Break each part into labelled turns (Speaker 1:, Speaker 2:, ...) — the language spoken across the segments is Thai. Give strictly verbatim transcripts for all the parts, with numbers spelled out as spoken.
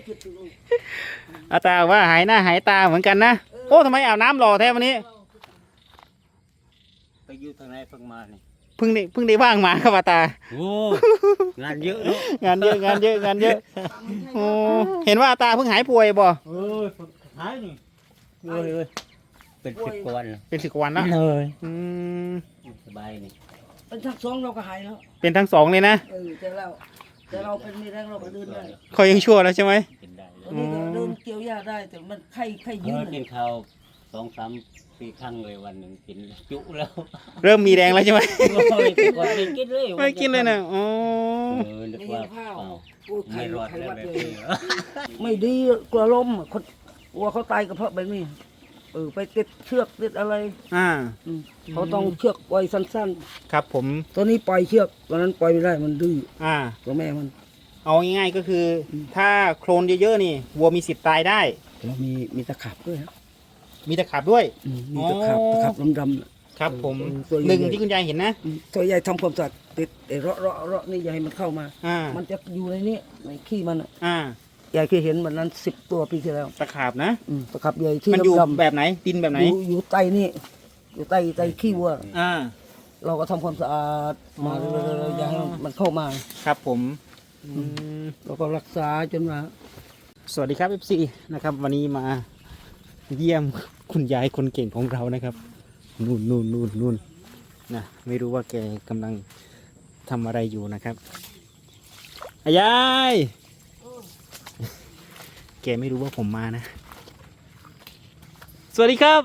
Speaker 1: อาตาว่าหายหน้าหายตาเหมือนกันนะโอ้ทำไมอาบน้ำรอแท้วันนี้
Speaker 2: ไปอยู่ทางไหนเพิ่งมาเนี่ย
Speaker 1: เพิ่งได้เพิ่งได้ว่างมาครับอาตา
Speaker 2: โอ้งานเยอะเนาะ
Speaker 1: งานเยอะงานเยอะงานเยอะโอ้เห็นว่าอาตาเพิ่งหายป่วยบ่
Speaker 2: เออหายนี่เอ้ยเอ้ยเป็นสิบกว่าวันแล้ว
Speaker 1: เป็นสิบกว่าวันแล้ว
Speaker 2: เลย
Speaker 1: อืม
Speaker 2: สบายนี่
Speaker 3: เป็นทั้งสองเราก็หายแล้ว
Speaker 1: เป็นทั้งสองเลยนะ
Speaker 3: เออแต่เราแต่เราเป็นมีแรงเราก็เดินได้
Speaker 1: เขายังชั่วแล้วใช่ไหม
Speaker 3: ตอนนี้ก็เดินเกี่ยวหญ้าได้แต่มันไข้ไข้ยืด
Speaker 2: กินข้าวสองสามสี่ครั้งเลยวันหนึ่งกินจุแล้ว
Speaker 1: เริ่มมีแรงแล้วใช่ไหม
Speaker 2: ไม่กินเลย
Speaker 1: ไม่กินเลยนะอ๋อ
Speaker 2: เออนึกว่าไม่รอดแล้วแบบนี้
Speaker 3: ไม่ดีกลัวล้มคนกลัวเขาตายก็เพราะแบบนี้เออไปติดเชือกติดอะไร
Speaker 1: อ่า
Speaker 3: เขาต้องเชือกไว้สั้น
Speaker 1: ๆครับผม
Speaker 3: ตัวนี้ปล่อยเชือกตอนนั้นปล่อยไม่ได้มันดื้อ
Speaker 1: อ่า
Speaker 3: ตัวแม่มัน
Speaker 1: เอาง่ายๆก็คือถ้าโคลนเยอะๆนี่วัวมีสิทธิ์ตายได้
Speaker 3: แล้วมีมีตะขาบด้วยครับ
Speaker 1: มีตะขาบด้วย
Speaker 3: มีตะขาบตะขาบดำ
Speaker 1: ๆครับผมหนึ่งที่คุณยายเห็นนะ
Speaker 3: ตัวใหญ่ทำความสะอาดติดไอ้เราะเราะเราะนี่อย่าให้มันเข้ามา
Speaker 1: อ่า
Speaker 3: มันจะอยู่ในนี้ในขี้มัน
Speaker 1: อ่า
Speaker 3: ใหญ่เคยเห็นมันนั้นสิบตัวปีที่แล้ว
Speaker 1: ตะขาบนะ
Speaker 3: ตะขาบใหญ่ที่
Speaker 1: มันอยู่แบบไหนดินแบบไหน
Speaker 3: อยู่ใต้นี่อยู่ใต้ใต้ขี้วัว
Speaker 1: อ่า
Speaker 3: เราก็ทำความสะอาดมาเรื่อยๆอย่าให้มันเข้ามา
Speaker 1: ครับผม
Speaker 3: เราก็รักษาจนมา
Speaker 1: สวัสดีครับ เอฟ ซี นะครับวันนี้มาเยี่ยมคุณยายคนเก่งของเรานะครับนู่นนู่นนู่นนู่นนะไม่รู้ว่าแกกำลังทำอะไรอยู่นะครับยายแกไม่รู้ว่าผมมานะสวัสดีครับ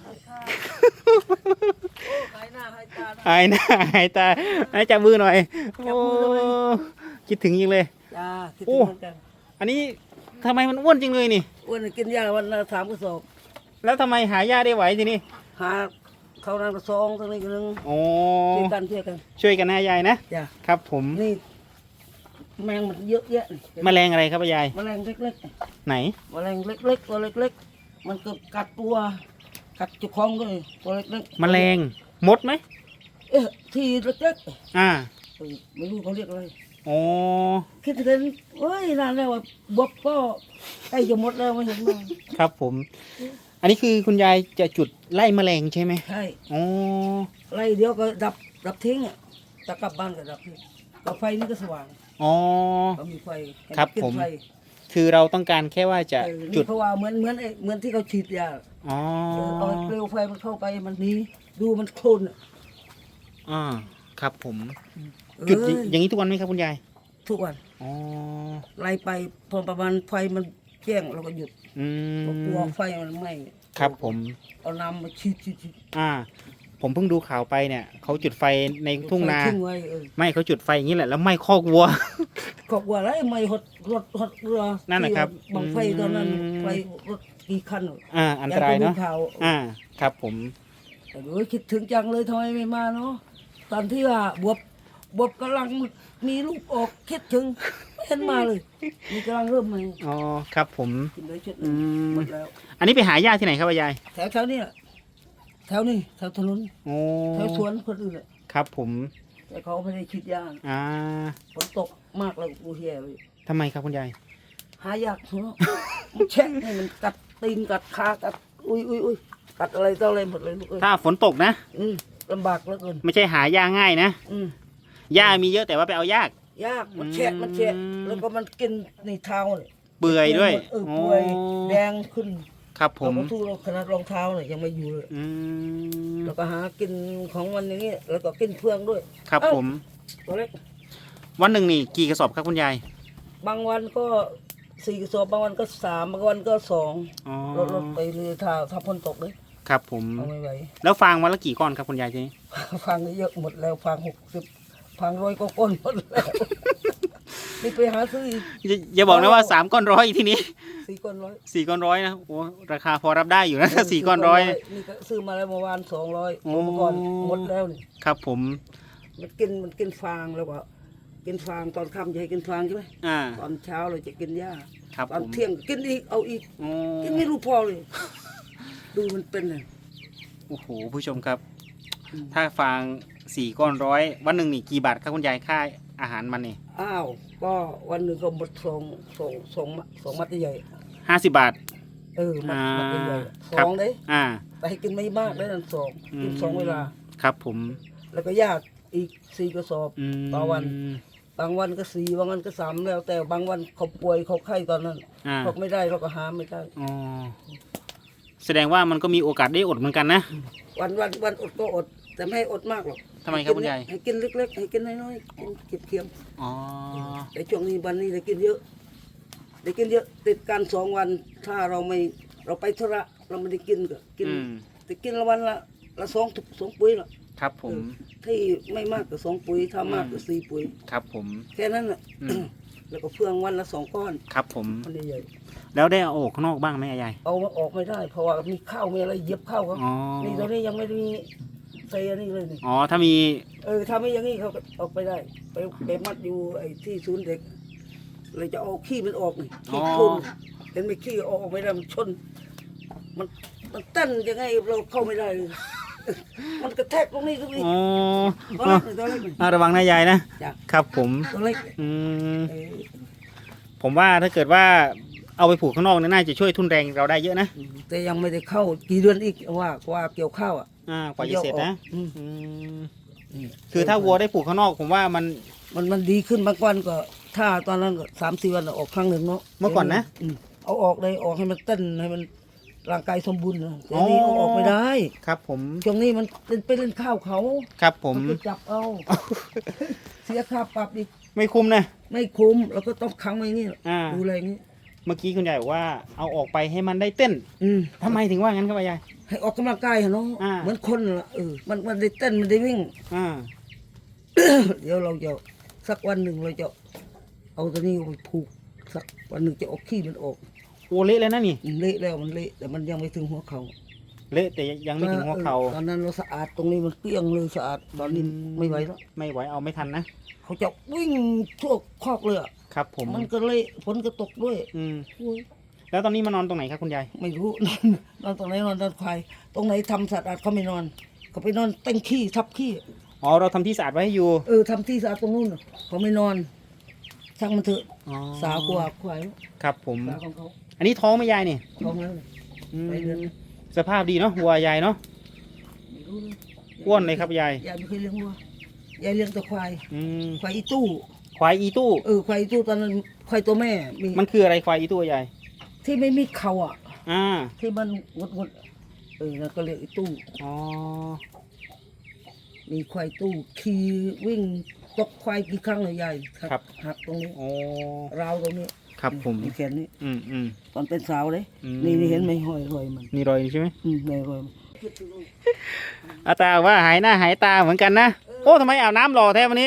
Speaker 3: หายหน้าหายตา
Speaker 1: หายหน้าหายตาหายจับมือหน่อยโอ้คิดถึงจริงเลย
Speaker 3: จ้าคิดถึงเหมือนกัน
Speaker 1: อันนี้ทำไมมันอ้วนจริงเลยนี่
Speaker 3: อ้วนกินยาวันละสามกระสอบ
Speaker 1: แล้วทำไมหายาได้ไหวทีนี้
Speaker 3: หาเขานางกระซองทั้งนี้กันนึง
Speaker 1: โอ้
Speaker 3: ช่วยกันช่วยกัน
Speaker 1: ช่วยกันนะยายนะ
Speaker 3: จ้า
Speaker 1: ครับผม
Speaker 3: นี่แมงมันเยอะแยะ
Speaker 1: แมลงอะไรครับยาย
Speaker 3: แมลงเล็ก
Speaker 1: ๆไหน
Speaker 3: แมลงเล็กๆตัวเล็กๆมันก็กัดตัวกัดจุกคองก็เลยตัวเล็ก
Speaker 1: ๆแมลงมดไหม
Speaker 3: เอ๊ะทีเล็ก
Speaker 1: ๆอ่า
Speaker 3: ไม่รู้เขาเรียกอะไร
Speaker 1: โอ้
Speaker 3: คิดถึงเฮ้ยนานแล้วว่าบวบก็ใกล้จะหมดแล้วไม่เห็นมา
Speaker 1: ครับผมอันนี้คือคุณยายจะจุดไล่แมลงใช่ไหม
Speaker 3: ใช่
Speaker 1: โอ้
Speaker 3: ไล่เดี๋ยวก็ดับดับทิ้งอ่ะจะกลับบ้านก็ดับทิ้งกับไฟนี่ก็สว่าง
Speaker 1: อ๋อ
Speaker 3: เขามีไฟ
Speaker 1: ครับผมคือเราต้องการแค่ว่าจะจุด
Speaker 3: เพราะว่าเหมือนเหมือนเหมือนที่เขาฉีดยา
Speaker 1: อ๋อ
Speaker 3: เอาเปลวไฟมันเข้าไปมันนี้ดูมันโคลน
Speaker 1: อ่าครับผมจุดอย่างนี้ทุกวันไหมครับคุณยาย
Speaker 3: ทุกวัน
Speaker 1: อ๋อ
Speaker 3: ไล่ไปพอประมาณไฟมันแจ้งเราก็หยุด
Speaker 1: อืม
Speaker 3: กลัวไฟมันไหม้
Speaker 1: ครับผม
Speaker 3: เอาน้ำมาฉีดฉีด
Speaker 1: อ่าผมเพิ่งดูข่าวไปเนี่ยเขาจุดไฟในทุ่งนาไม่เขาจุดไฟอย่างนี้แหละแล้วไหม้คอกวัว
Speaker 3: คอกวัวแล้วไหม้หดรถหดเรือ
Speaker 1: นั่นนะครับ
Speaker 3: บังไฟตอนนั้นไฟรถกี่คัน
Speaker 1: อ่าอันตรายเนาะอ่าครับผม
Speaker 3: แต่โอ้ยคิดถึงจังเลยทำไมไม่มาเนาะตอนที่ว่าบวบบวบกำลังมีลูกออกคิดถึงไม่เห็นมาเลยมีกำลังเริ่มมา
Speaker 1: อ๋อครับผม
Speaker 3: กินเลยชุดหมดแล้ว
Speaker 1: อันนี้ไปหาญาติที่ไหนครับยาย
Speaker 3: แถวแถวนี้แถวนี้แถวถนนแถวสวนคนอื่นเลย
Speaker 1: ครับผม
Speaker 3: แต่เขาไม่ได้คิดยาก
Speaker 1: อ่า
Speaker 3: ฝนตกมากเลยกูเฮียเลย
Speaker 1: ทำไมครับคุณยาย
Speaker 3: หายากเนาะมันแช่งให้มันกัดตีนกัดขากัดอุ้ยอุ้ยอุ้ยกัดอะไรต่ออะไรหมดเลยลูกเอ้ย
Speaker 1: ถ้าฝนตกนะ
Speaker 3: อืมลำบากเหลือเกิน
Speaker 1: ไม่ใช่หายาง่ายนะ
Speaker 3: อืม
Speaker 1: หญ้ามีเยอะแต่ว่าไปเอายาก
Speaker 3: ยากมันแฉะมันแฉะแล้วก็มันกินในเท้าเลย
Speaker 1: เปื่อยด้วย
Speaker 3: เออเปื่อยแดงขึ้น
Speaker 1: ครับผม
Speaker 3: เราก็ทู่ขนาดรองเท้าเนี่ยยังไม่อยู่เลยแล้วก็หากินของมันอย่างนี้แล้วก็กินเฟืองด้วย
Speaker 1: ครับผม
Speaker 3: ตัวเล็ก
Speaker 1: วันหนึ่งนี่กี่กระสอบครับคุณยาย
Speaker 3: บางวันก็สี่กระสอบบางวันก็สามบางวันก็สองรถรถไปเรือถ้าถ้าพ้นตกเลย
Speaker 1: ครับผม
Speaker 3: เอาไม่ไหว
Speaker 1: แล้วฟางวันละกี่ก้อนครับคุณยายทีนี้
Speaker 3: ฟางเยอะหมดแล้วฟางหกสิบฟางร้อยก็ก้อนหมดแล้วนี่ไปหาซื้อ
Speaker 1: อย่าบอกนะว่าสามก้อนร้อยทีนี้
Speaker 3: สี่ก้อนร้อย
Speaker 1: สี่ก้อนร้อยนะโอ้ราคาพอรับได้อยู่นะสี่ก้อนร้อย
Speaker 3: นี่ก็ซื้อมาแล้วเมื่อวานสองร้อยเมื่อก่อนหมดแล้วนี่
Speaker 1: ครับผม
Speaker 3: มันกินมันกินฟางแล้วก็กินฟางตอนค่ำจะให้กินฟางใช่ไหมตอนเช้าเราจะกินหญ้าตอนเที่ยงกินอีกเอาอีกกินไม่รู้พอเลยดูมันเป็นเลย
Speaker 1: โอ้โหผู้ชมครับถ้าฟางสี่ก้อนร้อยวันหนึ่งนี่กี่บาทครับคุณยายค่าอาหารมันนี่
Speaker 3: อ้าวก็วันหนึ่งก็หมดสองสองสองมัดสองมัดใหญ่
Speaker 1: ห้าสิบบาท
Speaker 3: เออมัด
Speaker 1: อ่า
Speaker 3: มัดใหญ่ส
Speaker 1: ครั
Speaker 3: อบ งเด้
Speaker 1: อ่า
Speaker 3: แต่ให้กินไม่มากได้นั่นสองกินสองเวลา
Speaker 1: ครับผม
Speaker 3: แล้วก็ญาติอีกสี่กระสอบ
Speaker 1: อืม
Speaker 3: ต่อวัน บางวันก็สี่บางวันก็สามแล้ว แต่บางวันเขาป่วยเขาไข้ตอนนั้น
Speaker 1: อ่า
Speaker 3: เขาไม่ได้เราก็หาไม่ได้
Speaker 1: อ๋อแสดงว่ามันก็มีโอกาสได้อดเหมือนกันนะ
Speaker 3: วันวันวันอดก็อด แต่ไม่ให้อดมากหรอก
Speaker 1: ทำไมครับคุณยาย
Speaker 3: ให้กินเล็กๆให้กินน้อยๆกินเก็บเคียม
Speaker 1: อ๋อ
Speaker 3: แต่ช่วงนี้วันนี้ได้กินเยอะได้กินเยอะติดกันสองวัน ถ้าเราไม่เราไปธุระเราไม่ได้กินก็กิน
Speaker 1: อืม
Speaker 3: แต่กินละวันละละสองถุงสองปุ๋ยละ
Speaker 1: ครับผม
Speaker 3: ที่ไม่มากก็สองปุ๋ยถ้ามากก็สี่ปุ๋ย
Speaker 1: ครับผม
Speaker 3: แค่นั้นแหละ
Speaker 1: อืม
Speaker 3: แล้วก็เฟืองวันละสองก้อน
Speaker 1: ครับผม
Speaker 3: มันใหญ่
Speaker 1: แล้วได้เอาออกข้างนอกบ้างไหมยาย
Speaker 3: ๆเอามาออกไม่ได้ เพราะว่ามีข้าวมีอะไรเย็บข้าวเขา
Speaker 1: อ๋อ
Speaker 3: นี่ตอนนี้ยังไม่ได้มีใส่อันนี้เลยนี่
Speaker 1: อ๋อ ถ้ามี
Speaker 3: เออถ้าไม่อย่างนี้เขาก็ออกไปได้ ไปไปมัดอยู่ไอ้ที่ศูนย์เด็กเลยจะเอาขี้มันออกนี่ขี้โคลนเห็นไหมขี้ออกไม่ได้มันชน มันมันเต้นยังไงเราเข้าไม่ได้เลย มันกระแทกตรงนี้ตรงนี้
Speaker 1: อ๋อ
Speaker 3: ตัวเล็กตัวเล็ก
Speaker 1: อ่าระวังนะยายนะ
Speaker 3: จ้ะ
Speaker 1: ครับผม
Speaker 3: ตัวเล็ก
Speaker 1: อืม
Speaker 3: เออ
Speaker 1: ผมว่าถ้าเกิดว่าเอาไปผูกข้างนอกเนี่ยน่าจะช่วยทุนแรงเราได้เยอะนะ
Speaker 3: แต่ยังไม่ได้เข้ากี่เดือนอีกว่าว่าเกี่ยวข้าวอ่ะ
Speaker 1: อ่ากว่าจะเสร็จนะ
Speaker 3: อืม
Speaker 1: อืมคือถ้าวัวได้ผูกข้างนอก ผมว่ามัน
Speaker 3: มันมันดีขึ้นบางวันก็ถ้าตอนนั้นก็สามสี่วันออกครั้งหนึ่งเนาะ
Speaker 1: เมื่อก่อนนะ
Speaker 3: อืมเอาออกเลยออกให้มันเต้นให้มันร่างกายสมบูรณ์นะแต่นี่เอาออกไม่ได้
Speaker 1: ครับผม
Speaker 3: ช่วงนี้มันเป็นไปเล่นข้าวเขา
Speaker 1: ครับผม
Speaker 3: นไปจับเอา เสียค่าปรับอีก
Speaker 1: ไม่คุ้มนะ
Speaker 3: ไม่คุ้มแล้วก็ต้องขังไว้อย่างนี้
Speaker 1: อ่า
Speaker 3: ดูอะไรอย่างนี้
Speaker 1: เมื่อกี้คุณยายบอกว่าเอาออกไปให้มันได้เต้น
Speaker 3: อืม
Speaker 1: ทำไมถึงว่างั้นครับยาย
Speaker 3: ให้ออกกำลังกายเหรอเนาะ
Speaker 1: อ่า
Speaker 3: เหมือนคนละเออมันมันได้เต้นมันได้วิ่ง
Speaker 1: อ่า
Speaker 3: เดี๋ยวเราจะสักวันหนึ่งเราจะเอาตัวนี้ไปผูกสักวันหนึ่งจะเออกขี้มันออก
Speaker 1: โอเละเลยนะนี่
Speaker 3: มันเละแล้วมันเละแต่มันยังไม่ถึงหัวเขา
Speaker 1: เละแต่ยังไม่ถึงหัวเข่า
Speaker 3: ออตอนนั้นเราสะอาดตรงนี้มันเกลี้ยงเลยสะอาดตอนนี้ไม่ไหวแล้ว
Speaker 1: ไม่ไหวเอาไม่ทันนะ
Speaker 3: เขาจะวิ่งทั่วคอกเลยอะ
Speaker 1: ครับผม
Speaker 3: มันก็เละฝนก็ตกด้วย
Speaker 1: อืม
Speaker 3: โอ้ย
Speaker 1: แล้วตอนนี้มานอนตรงไหนครับคุณยาย
Speaker 3: ไม่รู้ นอนนอนตรงไหนนอนตอนควายตรงไหนทำสะอาดเขาไม่นอนเขาไปนอนเต้นขี้ทับขี้
Speaker 1: อ๋อเราทำที่สะอาดไว้ให้อยู่
Speaker 3: เออทำที่สะอาดตรงนู้นน่ะเขาไม่นอนช่างมันเถอะ
Speaker 1: อ๋อ
Speaker 3: สาวกว่าควาย
Speaker 1: ครับผม
Speaker 3: สาวของเขา
Speaker 1: อันนี้ท้องไหม่ยายนี่
Speaker 3: ท้องแล้วเนี่ย
Speaker 1: อืม
Speaker 3: ไปเดือน
Speaker 1: สภาพดีเนาะวัวยายเนาะ
Speaker 3: ไม่รู้เลย
Speaker 1: อ้วนเลยครับยาย
Speaker 3: ยายไม่เคยเลี้ยงวัวยายเลี้ยงแต่ควาย
Speaker 1: อืม
Speaker 3: ควายอีตู้
Speaker 1: ควายอีตู้
Speaker 3: เออควายอีตู้ตอนนั้นควายตัวแม่มี
Speaker 1: มันคืออะไรควายอีตู้ยาย
Speaker 3: ที่ไม่มีเขาอ่ะ
Speaker 1: อ่า
Speaker 3: ที่มันงดงดเออแล้วก็เรียกอีตู้
Speaker 1: อ๋อ
Speaker 3: มีควายตู้ขี่วิ่งตกควายกี่ครั้งเลยยายหักหักตรงนี้
Speaker 1: โอ้
Speaker 3: ราวตรงนี้
Speaker 1: ครับผม
Speaker 3: มีแขนนี้
Speaker 1: อืมอืม
Speaker 3: ตอนเป็นสาวเลย
Speaker 1: อืม
Speaker 3: นี่นี่เห็นไหมห้อยรอยมัน
Speaker 1: นี่รอยใช่ไหม
Speaker 3: อืมในรอยมัน
Speaker 1: อาตาว่าหายหน้าหายตาเหมือนกันนะ โอ้ทำไมอาบน้ำหล่อแท้วันนี้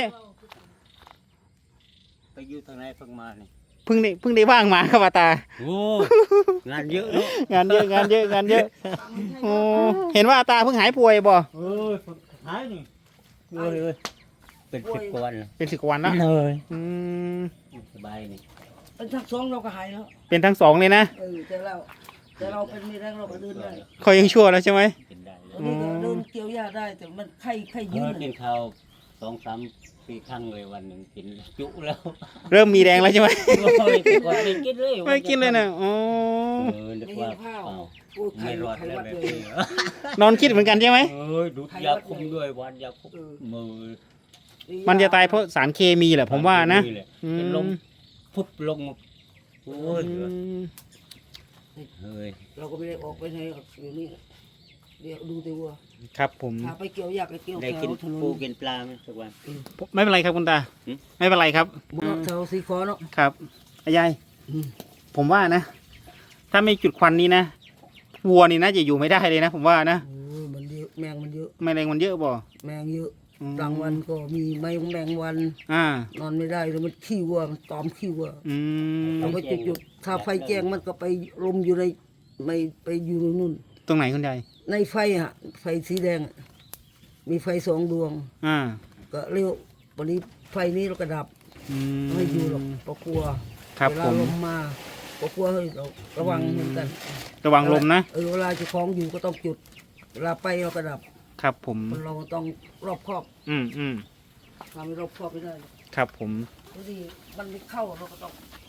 Speaker 2: ไปอยู่ทางไหนเพิ่งมานี่
Speaker 1: เพิ่งได้เพิ่งได้ว่างมาครับอาตา
Speaker 2: โอ้งานเยอะเนาะ
Speaker 1: งานเยอะงานเยอะงานเยอะโอ้เห็นว่าอาตาเพิ่งหายป่วยบ่
Speaker 2: เอ้ยหายนี่เอ้ยเอ้ยเป็นสิบกว่าวันแล้ว
Speaker 1: เป็นสิบกว่าวันแล้ว
Speaker 2: เลย
Speaker 1: อืม
Speaker 2: สบายนี่
Speaker 3: เป็นทักสองเราก็หายแล้ว
Speaker 1: เป็นทั้งสองเลยนะ
Speaker 3: เออแต่เราแต่เราเป็นไม่แรงเราก็เดินได้
Speaker 1: คอยยังชั่วแล้วใช่ไหม
Speaker 2: กินได้
Speaker 3: ตอนนี้ก็เดินเกี่ยวหญ้าได้แต่มันไข้ไข้
Speaker 2: เอ
Speaker 3: ยื
Speaker 2: อ
Speaker 3: ด
Speaker 2: กินข้าวสองสามสี่ครั้งเลยวันหนึ่งกินจุแล้ว
Speaker 1: เริ่มมีแรงแล้วใช่ไหม
Speaker 2: โอ้ยแต่ก่อนไม่กินเลย
Speaker 1: ไม่กินเลยนะอ๋อ
Speaker 2: เออนึก
Speaker 3: ไม่
Speaker 2: ว่า
Speaker 3: เห็นข้าว
Speaker 2: อ้าว
Speaker 3: โอ้ยไข้
Speaker 2: ไม่รอด
Speaker 3: ไข้
Speaker 2: แล้ว
Speaker 3: วัด
Speaker 2: แบบ
Speaker 3: เลย
Speaker 2: นี้เหรอน
Speaker 1: อนคิดเหมือนกันใช่ไหม
Speaker 2: เอ้ยดูดยาคุมด้วยวันยาคุมมือ
Speaker 1: มันจะตายเพราะสารเคมีแหละผมว่านะ อืม
Speaker 2: เป็นลมพุบลงโอ้ย
Speaker 1: อืม
Speaker 2: เฮ้ย
Speaker 3: เราก็ไม่ได้ออกไปไหนหรอกอยู่นี่เดี๋ยวดูแต่วัว
Speaker 1: ครับผม
Speaker 3: พาไปเกี่ยวหญ้าไปเกี่ยว
Speaker 2: ได้
Speaker 3: แถ
Speaker 2: กิน
Speaker 3: วถนน
Speaker 2: ปูกินปลาไหมทุกวัน
Speaker 1: ไม่เป็นไรครับคุณตา
Speaker 2: หืม
Speaker 1: ไม่เป็นไรครับ
Speaker 3: บุญแถวสีขอเนาะ
Speaker 1: ครับอายาย
Speaker 3: อืม
Speaker 1: ผมว่านะ ถ้าไม่จุดควันนี้นะวัวนี่น่าจะอยู่ไม่ได้เลยนะ ผมว่านะ
Speaker 3: โอ้ยมันเยอะแมงมันเยอะ
Speaker 1: แมลงมันเยอะบ่
Speaker 3: แมงเยอะ
Speaker 1: อืม
Speaker 3: กลางวันก็มีแมงแมงวัน
Speaker 1: อ่า
Speaker 3: นอนไม่ได้แล้วมันขี้วัวมันตอมขี้วัว
Speaker 1: อืม
Speaker 3: เราก็จุดจุดถ้าไฟแจ้งมันก็ไปลมอยู่ในไม่ไปอยู่นู่น
Speaker 1: ตรงไหนคุณยาย
Speaker 3: ในไฟฮะไฟสีแดงอะมีไฟสองดวง
Speaker 1: อ่า
Speaker 3: ก็เรียกวันนี้ไฟนี้เราก็ดับ
Speaker 1: อืม
Speaker 3: ไม่อยู่หรอกเพราะกลัว
Speaker 1: ครับ
Speaker 3: เวลา
Speaker 1: ผม
Speaker 3: ลมมาก็กลัวเฮ้ยเราระวังเหมือนกัน
Speaker 1: ระวังลมนะ
Speaker 3: เออเวลาจะคล้องอยู่ก็ต้องจุด เวลาไปเราก็ดับ
Speaker 1: ครับผม
Speaker 3: คนเราต้องรอบคอบ
Speaker 1: อืมอืม
Speaker 3: ทำให้รอบคอบไม่ได้
Speaker 1: ครับผม
Speaker 3: ดูดิมันไม่เข้าเราก็ต้อง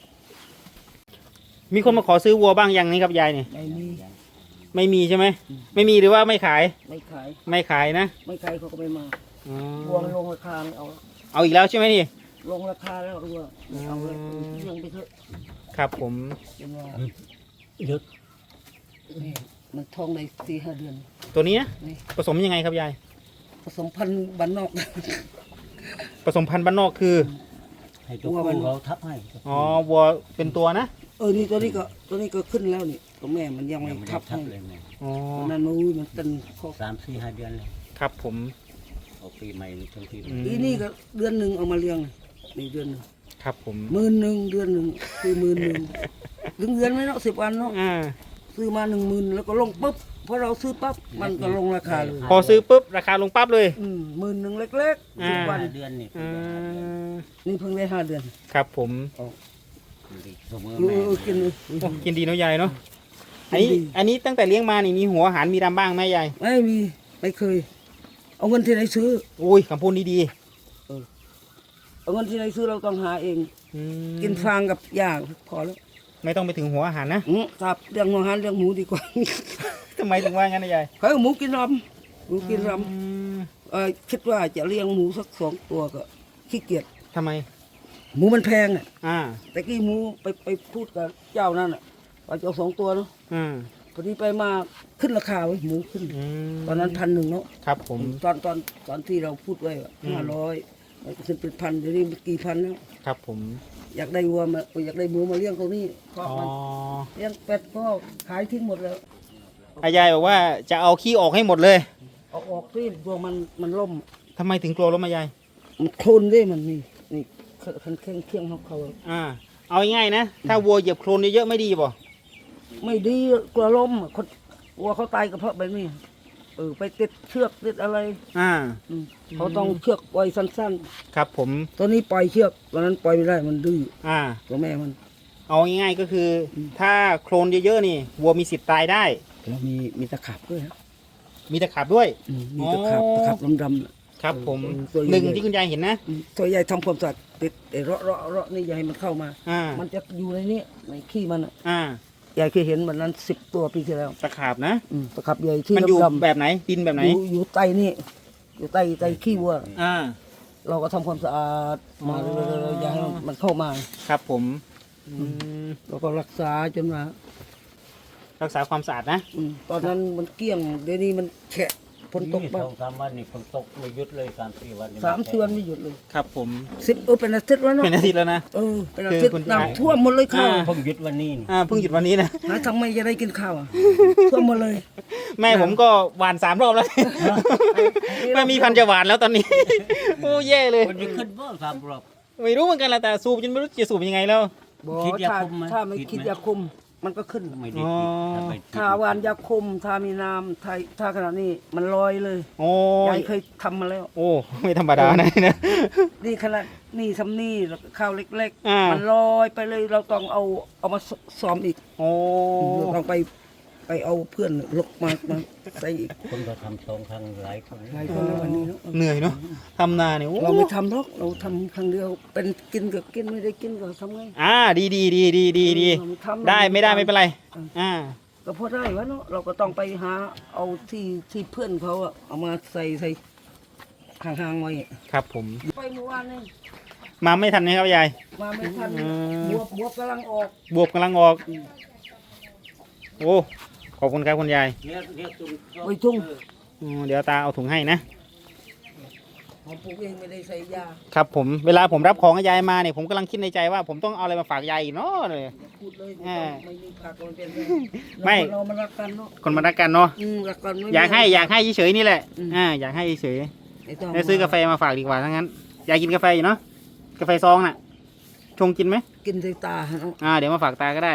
Speaker 1: มีคนมาขอซื้อวัวบ้างยังนี่ครับยายนี่
Speaker 3: ไม่มี
Speaker 1: ไม่มีใช่ไหมไม่มีหรือว่าไม่ขาย
Speaker 3: ไม่ขาย
Speaker 1: ไม่ขายนะ
Speaker 3: ไม่ขายเขาก็ไม่มา
Speaker 1: อ๋อ
Speaker 3: วัวมันลงราคาเอา
Speaker 1: เอาอีกแล้วใช่ไหมนี่
Speaker 3: ลงราคาแล้ววัวไม่เอาเลย
Speaker 1: อืม
Speaker 3: เรื่องไปเถอะ
Speaker 1: ครับผม
Speaker 3: เป็นว่า
Speaker 2: เยอะ
Speaker 3: นี่มันท้องในสี่ห้าเดือน
Speaker 1: ตัวนี้นะ
Speaker 3: นี่
Speaker 1: ผสมยังไงครับยาย
Speaker 3: ผสมพันธุ์บ้านนอก
Speaker 1: ผสมพันธุ์บ้านนอกคือ
Speaker 2: ให้ตัวผู้เขาทับให้
Speaker 1: อ๋อวัวเป็นตัวนะ
Speaker 3: เออนี่ตัวนี้ก็ตัวนี้ก็ขึ้นแล้วนี่ตัวแม่มันยังไม่
Speaker 2: ยังไม่ได้
Speaker 3: ทับ
Speaker 2: ทั
Speaker 3: ให้
Speaker 2: บเลยเนี่ย
Speaker 1: อ๋อ
Speaker 3: วันนั้นมันอุ้ยมันเต็นคอ
Speaker 2: สามสี่ห้าเดือนเลย
Speaker 1: ครับผม
Speaker 2: เอาปีใหม่ทั้งปีใหม่
Speaker 1: อืม
Speaker 3: อีนี่ก็เดือนหนึ่งเอามาเลี้ยงนี่เดือนหนึ่ง
Speaker 1: ครับผม
Speaker 3: หมื่นหนึ่งเดือนหนึ่งคือหมื่นหนึ่งถึงเดือนไหมเนาะสิบวันเนาะ
Speaker 1: อ่า
Speaker 3: ซื้อมาหนึ่งหมื่นแล้วก็ลงปุ๊บพอเราซื้อปั๊บมันก็ลงราคาเลย
Speaker 1: พอซื้อปุ๊บราคาลงปั๊บเลย
Speaker 3: อืมหมื่นหนึ่งเล็กๆสิบ
Speaker 1: อ่า
Speaker 3: วัน
Speaker 2: ห้าเดือนนี่
Speaker 1: อ่า
Speaker 3: นี่เพิ่งได้ห้าเดือน
Speaker 1: ครับผม
Speaker 2: เสมอ
Speaker 3: รู้
Speaker 2: แม่
Speaker 3: เออกินเลย
Speaker 1: โอ้กินดีเนาะยายเนาะอันนี้
Speaker 3: กินดี
Speaker 1: อันนี้ตั้งแต่เลี้ยงมานี่มีหัวอาหารมีดำบ้างไหมยาย
Speaker 3: ไม่มีไม่เคย เอาเงินที่ไหนซื้อ
Speaker 1: อุ้ยคำพูดนี้ดี
Speaker 3: เอาเงินที่ไหนซื้อเราต้องหาเอง
Speaker 1: อืม
Speaker 3: กินฟางกับหญ้าพอแล้ว
Speaker 1: ไม่ต้องไปถึงหัวอาหารนะ
Speaker 3: อืมครับเรื่องอาหารเรื่องหมูดีกว่า
Speaker 1: ทำไมถึงว่างั้นนะยาย
Speaker 3: เขาเอาหมูกินรำหมูกินร
Speaker 1: อืม
Speaker 3: ำเออคิดว่าจะเลี้ยงหมูสักสองตัวก็ขี้เกียจ
Speaker 1: ทำไม
Speaker 3: หมูมันแพงอ่ะ
Speaker 1: อ่า
Speaker 3: แต่กี้หมูไปไปพูดกับเจ้านั่นอ่ะว่าจะเอาสองตัวเนาะ
Speaker 1: อ่า
Speaker 3: พอดีไปมาขึ้นราคาไว้ยหมูขึ้น
Speaker 1: อืม
Speaker 3: ตอนนั้นพันหนึ่งเนาะ
Speaker 1: ครับผม
Speaker 3: ตอนตอนตอนที่เราพูดไว้
Speaker 1: อืม
Speaker 3: ห้าร้อยมันก็ขึ้นเป็นพันเดี๋ยวนี้มันกี่พันแล้ว
Speaker 1: ครับผม
Speaker 3: อยากได้วัวมาอยากได้หมูมาเลี้ยงตรงนี้เพราะ
Speaker 1: อ๋อ
Speaker 3: มันเลี้ยงเป็ดก็ขายทิ้งหมดแล้ว
Speaker 1: อายายบอกว่าจะเอาขี้ออกให้หมดเลย
Speaker 3: เอาออกที่ตัวมันมันล่ม
Speaker 1: ทำไมถึงกลัวล้มมายาย
Speaker 3: มันโคลนด้วยมันนี่นี่คันเคียงเคียงเขาเขา
Speaker 1: อ่า เอาง่ายๆนะ ถ้าวัวเหยียบโคลนเยอะๆไม่ดีป่ะ
Speaker 3: ไม่ดีกลัวล้มคนวัวเขาตายก็เพราะแบบนี้เออไปติดเชือกติดอะไร
Speaker 1: อ่า
Speaker 3: อืมเขาต้องเชือกปล่อยสั้น
Speaker 1: ครับผม
Speaker 3: ๆตัวนี้ปล่อยเชือกตัวนั้นปล่อยไม่ได้มันดื้อ
Speaker 1: อ่า
Speaker 3: ตัวแม่มัน
Speaker 1: เอาง่ายๆก็คือ ถ้าโคลนเยอะๆนี่วัวมีสิทธิ์ตายได้
Speaker 3: แล้วมีมีตะขาบด้วยฮะ
Speaker 1: มีตะขาบด้วย
Speaker 3: อืมมีตะขาบ
Speaker 1: อ๋อ
Speaker 3: ตะขาบดำๆน่ะ
Speaker 1: ครับผม
Speaker 3: เออตัวใหญ่
Speaker 1: หนึ่งที่คุณยายเห็นนะ
Speaker 3: อืมตัวใหญ่ทำความสะอาดติดไอ้เราะเราะเราะนี่อย่าให้มันเข้ามา
Speaker 1: อ่า
Speaker 3: มันจะอยู่ในนี้ในขี้มันอ่ะ
Speaker 1: อ่า
Speaker 3: ยายเคยเห็นมันนั้นสิบตัวปีที่แล้ว
Speaker 1: ตะขาบนะ
Speaker 3: อืมตะขับใหญ่ที่
Speaker 1: มันอยู่
Speaker 3: ดำๆ
Speaker 1: แบบไหน ดินแบบไหน
Speaker 3: อยู่อยู่ใต้นี่อยู่ใต้ใต้ขี้วัว
Speaker 1: อ่า
Speaker 3: เราก็ทำความสะอาดมา
Speaker 1: อ๋อ
Speaker 3: เรื่อยๆอย่าให้มันเข้ามา
Speaker 1: ครับผมอืม
Speaker 3: เราก็รักษาจนมา
Speaker 1: รักษาความสะอาดนะ
Speaker 3: อืมตอนนั้นมันเกลี้ยงเดี๋ยวนี้มันแฉะฝนตก
Speaker 2: นี่
Speaker 3: บ้า
Speaker 2: สองสามวันนี่ฝนตกไม่หยุดเลยสามสี่วันนี่
Speaker 3: สามสี่วันไม่หยุดเลย
Speaker 1: ครับผม
Speaker 3: สิบเออเป็นอาทิตย์แล้วเนาะ
Speaker 1: เป็นอาทิตย์แล้วนะ
Speaker 3: เออเป็นอาทิตย์
Speaker 1: คือคุณยาย
Speaker 3: น้ำท่วมหมดเลยข้าว
Speaker 1: อ่า
Speaker 2: เพิ่งหยุดวันนี้นี่
Speaker 1: อ่า เพิ่งหยุดวันนี้นะ
Speaker 3: หาทำไมจะได้กินข้าวอ่ะท่วมหมดเลย
Speaker 1: แม่ผมก็หวานสามรอบแล้ว ไม่มีพันธุ์จะหวานแล้วตอนนี้ โอ้แย่เลย
Speaker 2: คนจะขึ้นบ่สามรอบ
Speaker 1: ไม่รู้เหมือนกันละแต่สูบจนไม่รู้จะสูบยังไงแล้ว
Speaker 3: บอก
Speaker 2: คิดยา
Speaker 3: ถ้า
Speaker 2: คุมไหม
Speaker 3: ถ้าไม่
Speaker 2: คิ
Speaker 3: คิด
Speaker 2: ดไหม
Speaker 3: ยาคุมมันก็ขึ้น
Speaker 2: ไม่ได้
Speaker 1: อ๋อ
Speaker 2: คิดถ้าไป
Speaker 3: ถ้าหวานยาคุมถ้ามีน้ำถ้าถ้าขนาดนี้มันลอยเลย
Speaker 1: โอ้
Speaker 3: ยายเคยทำมาแล้ว
Speaker 1: โอ้ ไม่ธรรมดานะนี่นะ
Speaker 3: นี่ขนาดนี่ทำนี่แล้วก็ข้าวเล็ก
Speaker 1: อ่า
Speaker 3: ๆ มันลอยไปเลยเราต้องเอาเอามาซ้อมอีก
Speaker 1: โอ้
Speaker 3: เราต้องไปไปเอาเพื่อนลกมามาใส่อีก
Speaker 2: คนก็ทำสองครั้งหลายคน
Speaker 3: หลายคนแล้ววันนี้เนาะ
Speaker 1: เหนื่อยเนาะทำนาเนี่ยโอ้
Speaker 3: เราไม่ทำหรอกเราทำครั้งเดียวเป็นกินก็กินไม่ได้กินก็ทำไง
Speaker 1: อ่า ดีดีดีดีดีดี
Speaker 3: เราทำ
Speaker 1: ได้ไม่ได้ไม่เป็นไร อ่า
Speaker 3: ก็พอได้วะเนาะเราก็ต้องไปหาเอาที่ที่เพื่อนเขาอะเอามาใส่ใส่ห่างๆไว้
Speaker 1: ครับผม
Speaker 3: ไปเมื่อวานนี่
Speaker 1: มาไม่ทันนะครับยาย
Speaker 3: มาไม่ทัน
Speaker 1: อืม
Speaker 3: บวบบวบกำลังออก
Speaker 1: บวบกำลังออก โอ้ ขอบคุณครับคุณยาย
Speaker 2: เนี่ยเนี่ยจุ่ม
Speaker 3: ไว้ทุ่ง
Speaker 1: อืมเดี๋ยวตาเอาถุงให้นะ
Speaker 3: ผมปลูกเองไม่ได้ใส่ยา
Speaker 1: ครับผม เวลาผมรับของกับยายมาเนี่ยผมกำลังคิดในใจว่า ผมต้องเอาอะไรมาฝากยายอีกเนาะเลย
Speaker 3: อย่าพูดเลย
Speaker 1: อ่า
Speaker 3: ไม่มีผักมันเป็นไร
Speaker 1: ไม่
Speaker 3: เรามันรักกันเนาะ
Speaker 1: คนมารักกันเนาะ
Speaker 3: อืมรักกันไม่มี
Speaker 1: อยากให้อยากให้เฉยๆนี่แหละ
Speaker 3: อืม
Speaker 1: อ่า อยากให้เฉย
Speaker 3: ไม่ต้อง
Speaker 1: ๆแล้วซื้อกาแฟมาฝากดีกว่าทั้งนั้น ยายกินกาแฟอยู่เนาะ กาแฟซองน่ะ ชงกินไหม
Speaker 3: กินใส่ตาเนาะ
Speaker 1: อ่า เดี๋ยวมาฝากตาก็ได้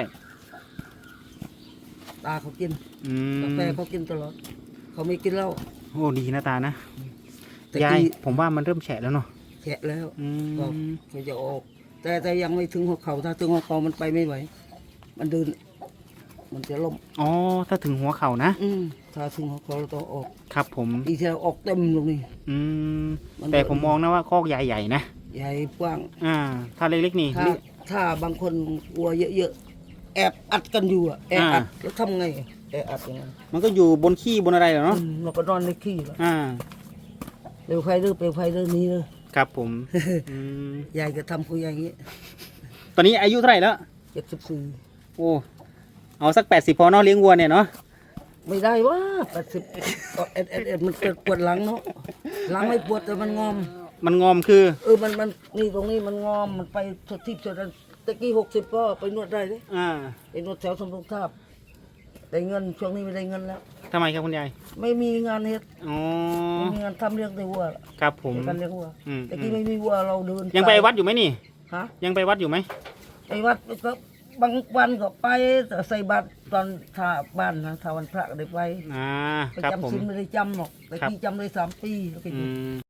Speaker 3: ตาเขากิน
Speaker 1: อืม
Speaker 3: กาแฟเขากินตลอดเขาไม่กินเหล้า
Speaker 1: โอ้ดีนะตานะ
Speaker 3: แต่
Speaker 1: ยาย
Speaker 3: กี้
Speaker 1: ผมว่ามันเริ่มแฉะแล้วเนาะ
Speaker 3: แฉะแล้ว
Speaker 1: อื
Speaker 3: ก็
Speaker 1: ม
Speaker 3: เขาจะออก แต่แต่ยังไม่ถึงหัวเขาถ้าถึงหัวเขามันไปไม่ไหว มันเดิน มันจะล้ม
Speaker 1: อ๋อ ถ้าถึงหัวเข่านะ
Speaker 3: อืมถ้าถึงหัวเขาเราต้องออก
Speaker 1: ครับผม
Speaker 3: อีกทีเราออกเต็มลงนี่
Speaker 1: อืม
Speaker 3: มัน
Speaker 1: แต่ผมมองนะว่าคอกใหญ่ๆนะ
Speaker 3: ใหญ่กว้าง
Speaker 1: อ่า ถ้าเล็กๆนี่
Speaker 3: ถ้าถ้าบางคนวัวเยอะๆแอบอัดกันอยู่อะแอบอัดแล้วทำไงแอบอัดยังไง
Speaker 1: มันก็อยู่บนขี้บนอะไรเหรอเนาะ
Speaker 3: อืมเราก็นอนในขี้แล้ว
Speaker 1: อ่า
Speaker 3: เปลวไฟเด้อเปลวไฟเด้อนี้เด้อ
Speaker 1: ครับผม อืม
Speaker 3: ยายก็ทำคุยอย่างนี้
Speaker 1: ตอนนี้อายุเท่าไหร่แล้ว
Speaker 3: เจ็ดสิบสี่
Speaker 1: โอ้ เอาสักแปดสิบพอเนาะเลี้ยงวัวเนี่ยเนาะ
Speaker 3: ไม่ได้ว่าแปดสิบเอ็ดเอ็ดเอ็ดมันเกิดปวดหลังเนาะหลังไม่ปวดแต่มันงอม
Speaker 1: มันงอมคือ
Speaker 3: เออมันมันนี่ตรงนี้มันงอมมันไปสทิพย์สดันตะกี้หกสิบก็ไปนวดได้เลย
Speaker 1: อ่า
Speaker 3: ไปนวดแถวสมรุงทาบได้เงินช่วงนี้ไม่ได้เงินแล้ว
Speaker 1: ทำไมครับคุณยาย
Speaker 3: ไม่มีงานเฮ็ด
Speaker 1: อ๋อ
Speaker 3: ไม่มีงานทำเลี้ยงแต่วัว
Speaker 1: ครับผม
Speaker 3: การเลี้ยงวัว
Speaker 1: อืม
Speaker 3: ตะกี้ไม่มีวัวเราเดิน
Speaker 1: ยังไปวัดอยู่ไหมนี่
Speaker 3: ฮะ
Speaker 1: ยังไปวัดอยู่ไหม
Speaker 3: ไปวัดก็บางวันก็ไปแต่ใส่บาตรตอนถ้าบ้านนะถ้าวันพระก็ได้ไป
Speaker 1: อ่า
Speaker 3: ไป
Speaker 1: ครับผม
Speaker 3: จำศีลไม่ได้จำหรอกแต่
Speaker 1: ครับ
Speaker 3: ที่จำได้สามปีแล้วก็ห
Speaker 1: อื
Speaker 3: ยุด
Speaker 1: ม